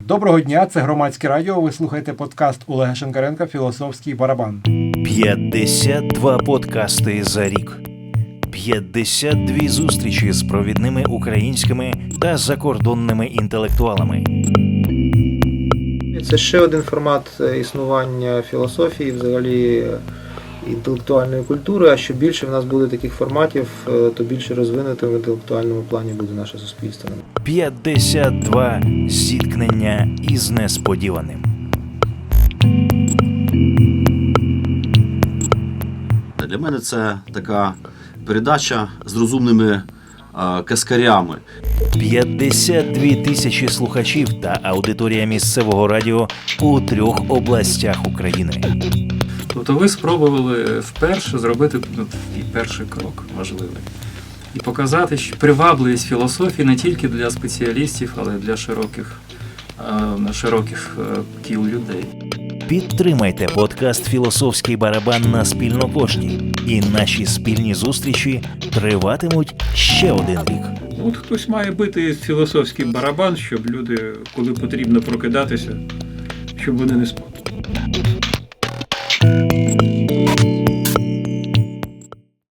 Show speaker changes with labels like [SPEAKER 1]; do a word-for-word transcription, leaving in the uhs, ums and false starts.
[SPEAKER 1] Доброго дня, це Громадське радіо. Ви слухаєте подкаст Олега Шинкаренка «Філософський барабан».
[SPEAKER 2] п'ятдесят два подкасти за рік. п'ятдесят дві зустрічі з провідними українськими та закордонними інтелектуалами.
[SPEAKER 3] Це ще один формат існування філософії, взагалі інтелектуальної культури, а що більше в нас буде таких форматів, то більше розвинутим в інтелектуальному плані буде наше суспільство.
[SPEAKER 2] п'ятдесят два зіткнення із несподіваним.
[SPEAKER 4] Для мене це така передача з розумними е, каскарями.
[SPEAKER 2] п'ятдесят дві тисячі слухачів та аудиторія місцевого радіо у трьох областях України.
[SPEAKER 5] Тобто ви спробували вперше зробити ну, такий перший крок можливий. І показати що привабливість філософії не тільки для спеціалістів, але й для широких, е, широких е, кіл людей.
[SPEAKER 2] Підтримайте подкаст «Філософський барабан» на спільнокошті. І наші спільні зустрічі триватимуть ще один рік.
[SPEAKER 6] От хтось має бити філософський барабан, щоб люди, коли потрібно прокидатися, щоб вони не спали.